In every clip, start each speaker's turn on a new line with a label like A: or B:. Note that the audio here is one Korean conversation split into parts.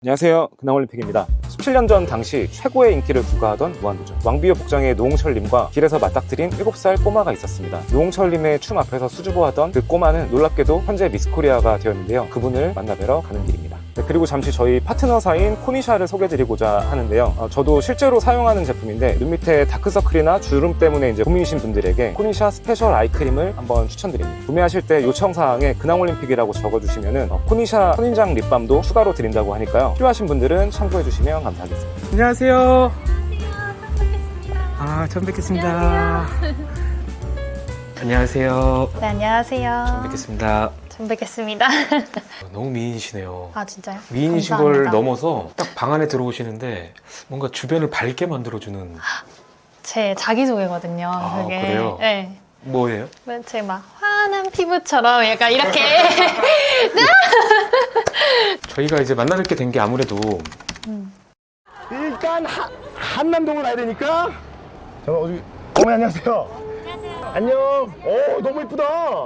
A: 안녕하세요. 근황올림픽입니다. 17년 전 당시 최고의 인기를 부과하던 무한도전. 왕비호 복장의 노홍철님과 길에서 맞닥뜨린 7살 꼬마가 있었습니다. 노홍철님의 춤 앞에서 수줍어하던 그 꼬마는 놀랍게도 현재 미스코리아가 되었는데요. 그분을 만나뵈러 가는 길입니다. 네, 그리고 잠시 저희 파트너사인 코니샤를 소개해드리고자 하는데요. 저도 실제로 사용하는 제품인데 눈 밑에 다크서클이나 주름 때문에 이제 고민이신 분들에게 코니샤 스페셜 아이크림을 한번 추천드립니다. 구매하실 때 요청사항에 근황올림픽이라고 적어주시면은 코니샤 선인장 립밤도 추가로 드린다고 하니까요. 필요하신 분들은 참고해주시면 감사하겠습니다.
B: 안녕하세요. 처음 뵙겠습니다. 안녕하세요.
C: 네, 안녕하세요.
B: 처음 뵙겠습니다.
C: 처음 뵙겠습니다.
B: 너무 미인이시네요.
C: 아, 진짜요?
B: 미인이신
C: 감사합니다.
B: 걸 넘어서 딱 방 안에 들어오시는데 뭔가 주변을 밝게 만들어주는.
C: 제 자기소개거든요.
B: 아,
C: 그게.
B: 그래요?
C: 네.
B: 뭐예요?
C: 제 막 환한 피부처럼 약간 이렇게.
B: 저희가 이제 만나 뵙게 된 게 아무래도
D: 일단 한남동을 가야 되니까 어머니 안녕하세요. 안녕. 오 너무 이쁘다.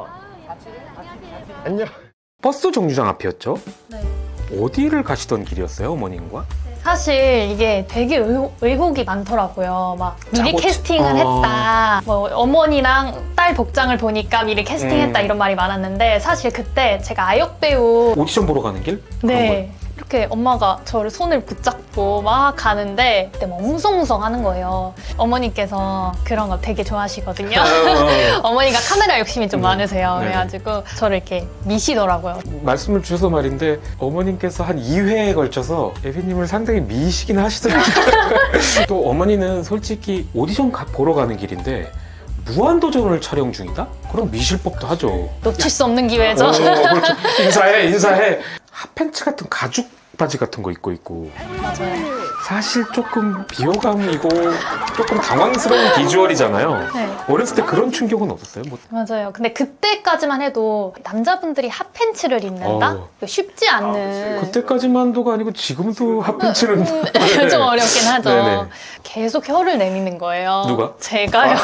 D: 안녕.
B: 버스 정류장 앞이었죠?
C: 네.
B: 어디를 가시던 길이었어요, 어머님과?
C: 사실 이게 되게 의혹이 많더라고요. 막 미리
B: 짜고
C: 캐스팅을 했다. 뭐 어머니랑 딸 복장을 보니까 미리 캐스팅했다 이런 말이 많았는데 사실 그때 제가 아역 배우
B: 오디션 보러 가는 길?
C: 네. 이렇게 엄마가 저를 손을 붙잡고 막 가는데 그때 막 웅성웅성 하는 거예요. 어머니께서 그런 거 되게 좋아하시거든요. 어머니가 카메라 욕심이 좀 많으세요.
B: 네.
C: 그래가지고 저를 이렇게 미시더라고요.
B: 말씀을 주셔서 말인데 어머님께서 한 2회에 걸쳐서 에비님을 상당히 미시긴 하시더라고요. 또 어머니는 솔직히 오디션 보러 가는 길인데 무한도전을 촬영 중이다? 그럼 미실 법도 하죠.
C: 놓칠 수 없는 기회죠.
B: 그렇죠. 인사해. 핫팬츠 같은 가죽 바지 같은 거 입고 있고
C: 맞아요.
B: 사실 조금 비호감이고 조금 당황스러운 비주얼이잖아요.
C: 네.
B: 어렸을 때 그런 충격은 없었어요? 뭐
C: 맞아요. 근데 그때까지만 해도 남자분들이 핫팬츠를 입는다? 쉽지 않는.
B: 그때까지만도가 아니고 지금도 핫팬츠는
C: 좀 어렵긴 하죠.
B: 네네.
C: 계속 혀를 내미는 거예요.
B: 누가?
C: 제가요.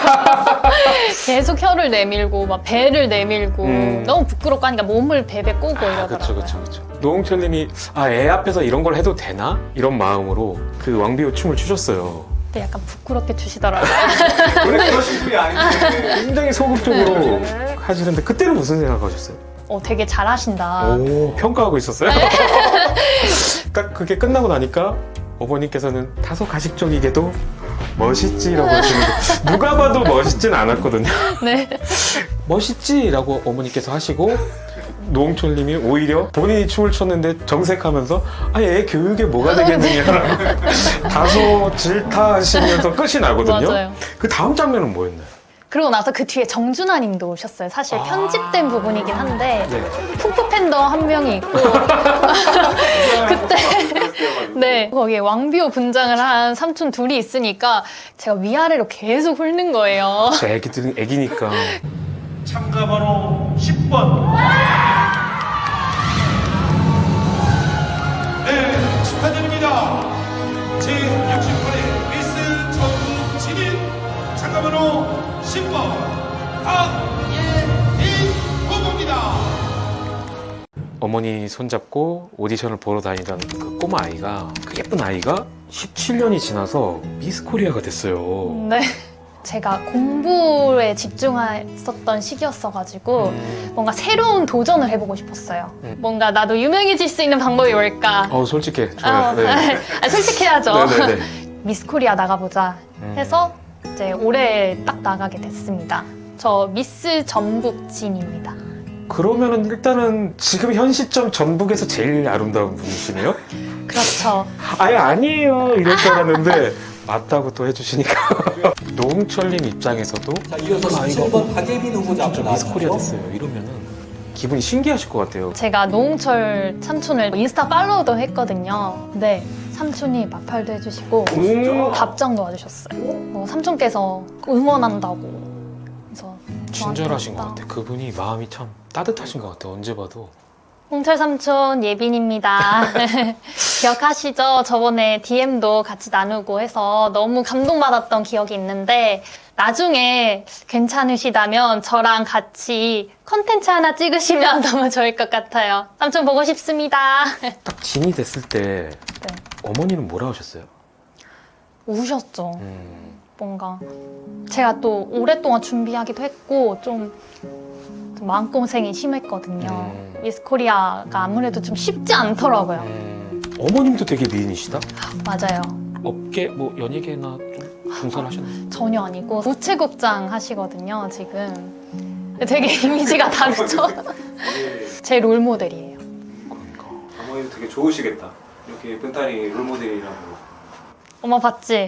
C: 계속 혀를 내밀고 막 배를 내밀고 너무 부끄럽고 하니까 몸을 베베 꼬고 이러더라고요.
B: 그렇죠. 노홍철님이 애 앞에서 이런 걸 해도 되나? 이런 마음으로 그 왕비호 춤을 추셨어요.
C: 근데 약간 부끄럽게 추시더라고요.
A: 원래 그러신 분이 아닌데.
B: 굉장히 소극적으로 하시는데 그때는 무슨 생각하셨어요?
C: 되게 잘하신다.
B: 오, 평가하고 있었어요? 딱 그게 끝나고 나니까 어머님께서는 다소 가식적이게도 멋있지라고 하시는데 누가 봐도 멋있진 않았거든요.
C: 네.
B: 멋있지라고 어머니께서 하시고 노홍철님이 오히려 본인이 춤을 췄는데 정색하면서 애 교육에 뭐가 되겠느냐라고 다소 질타하시면서 끝이 나거든요.
C: 맞아요.
B: 그 다음 장면은 뭐였나요?
C: 그러고 나서 그 뒤에 정준하 님도 오셨어요. 사실 편집된 부분이긴 한데
B: 네.
C: 푸푸 팬더 한 명이 있고 그때 네 거기에 왕비호 분장을 한 삼촌 둘이 있으니까 제가 위아래로 계속 훑는 거예요.
B: 저 애기들은 애기니까
E: 참가 번호 10번. 네, 축하드립니다. 제68회 미스 전국 진인 참가 번호 10번 박예빈 후보입니다.
B: 어머니 손잡고 오디션을 보러 다니던 그 꼬마 아이가 그 예쁜 아이가 17년이 지나서 미스 코리아가 됐어요.
C: 네. 제가 공부에 집중했었던 시기였어가지고 뭔가 새로운 도전을 해보고 싶었어요. 뭔가 나도 유명해질 수 있는 방법이 뭘까?
B: 솔직해. 좋아요. 네.
C: 솔직해야죠.
B: 네네네.
C: 미스 코리아 나가보자 해서 이제 올해 딱 나가게 됐습니다. 저 미스 전북진입니다.
B: 그러면은 일단은 지금 현 시점 전북에서 제일 아름다운 분이시네요?
C: 그렇죠.
B: 아니에요 이럴 줄 알았는데 맞다고 또 해주시니까 노홍철님 입장에서도
F: 자, 이어서 17번 박예빈 후보자 앞으로
B: 미스 코리아
F: 나와주시죠.
B: 됐어요 이러면은 기분이 신기하실 것 같아요.
C: 제가 노홍철 삼촌을 인스타 팔로우도 했거든요. 근데 삼촌이 마팔도 해주시고 답장도 와주셨어요. 삼촌께서 응원한다고. 그래서
B: 친절하신 것
C: 저한테
B: 같아요. 그분이 마음이 참 따뜻하신 것 같아요. 언제 봐도
C: 홍철 삼촌 예빈입니다. 기억하시죠? 저번에 DM도 같이 나누고 해서 너무 감동받았던 기억이 있는데 나중에 괜찮으시다면 저랑 같이 컨텐츠 하나 찍으시면 너무 좋을 것 같아요. 삼촌 보고 싶습니다.
B: 딱 진이 됐을 때
C: 네.
B: 어머니는 뭐라 하셨어요?
C: 우셨죠. 뭔가 제가 또 오랫동안 준비하기도 했고 좀 마음고생이 심했거든요. 미스 코리아가 아무래도 좀 쉽지 않더라고요.
B: 어머님도 되게 미인이시다?
C: 맞아요.
B: 업계, 뭐 연예계나 좀 종사하셨나요?
C: 전혀 아니고 우체국장 하시거든요, 지금. 되게 이미지가 다르죠? 제 롤모델이에요.
B: 그러니까.
A: 어머니도 되게 좋으시겠다. 이렇게 예쁜 딸이 롤모델이라고.
C: 엄마 봤지?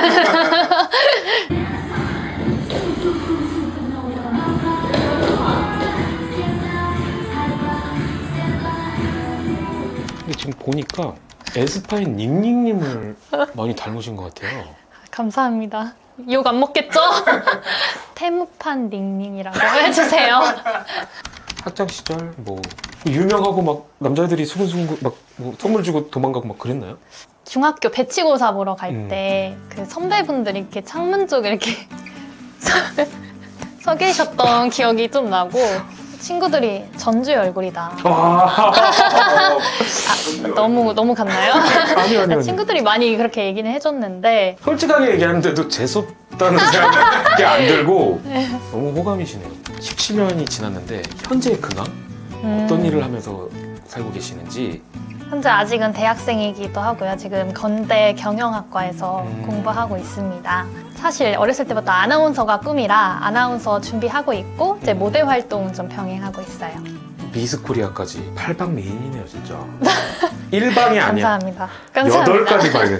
B: 근데 지금 보니까 에스파인 닝닝님을 많이 닮으신 것 같아요.
C: 감사합니다. 욕 안 먹겠죠? 태무판 닝닝이라고 해주세요.
B: 학창 시절 뭐 유명하고 막 남자들이 수근수근 막뭐 선물 주고 도망가고 막 그랬나요?
C: 중학교 배치고사 보러 갈 때 그 선배분들이 이렇게 창문 쪽에 이렇게 서 계셨던 기억이 좀 나고 친구들이 전주의 얼굴이다. 너무 갔나요?
B: 아니요.
C: 친구들이 많이 그렇게 얘기는 해줬는데
B: 솔직하게 얘기하는데도 재수없다는 생각이 안 들고 너무 호감이시네요. 17년이 지났는데 현재의 근황? 어떤 일을 하면서 살고 계시는지.
C: 현재 아직은 대학생이기도 하고요. 지금 건대 경영학과에서 공부하고 있습니다. 사실 어렸을 때부터 아나운서가 꿈이라 아나운서 준비하고 있고 이제 모델 활동 좀 병행하고 있어요.
B: 미스 코리아까지 8방 메인이네요, 진짜. 1방이 아니야.
C: 감사합니다. 감사합니다.
B: 8가지 방이네.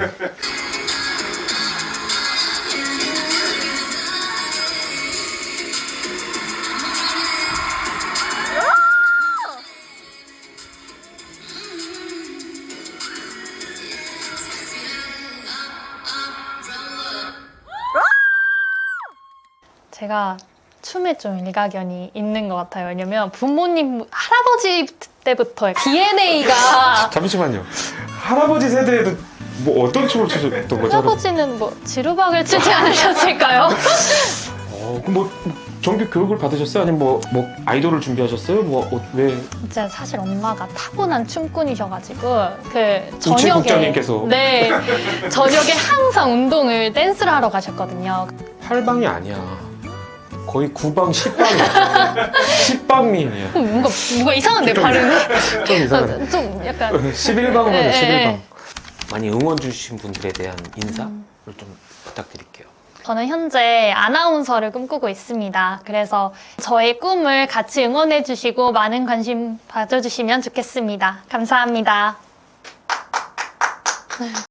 C: 제가 춤에 좀 일가견이 있는 것 같아요. 왜냐면 부모님, 할아버지 때부터 DNA가
B: 잠시만요. 할아버지 세대에도 뭐 어떤 춤을 추셨던 거죠?
C: 할아버지는 뭐 지루박을 추지 않으셨을까요?
B: 그럼 뭐 정규 교육을 받으셨어요? 아니면 뭐 아이돌을 준비하셨어요? 왜?
C: 진짜 사실 엄마가 타고난 춤꾼이셔가지고 그
B: 우체국장님께서.
C: 네, 저녁에 항상 운동을 댄스를 하러 가셨거든요.
B: 8방이 아니야. 거의 9방, 10방이야. 10방민이야.
C: 뭔가 이상한데 발음이
B: 좀 이상하네.
C: 좀 약간
B: 11방으로
C: 네,
B: 11방.
C: 네.
B: 많이 응원 주신 분들에 대한 인사를 좀 부탁드릴게요.
C: 저는 현재 아나운서를 꿈꾸고 있습니다. 그래서 저의 꿈을 같이 응원해 주시고 많은 관심 가져주시면 좋겠습니다. 감사합니다.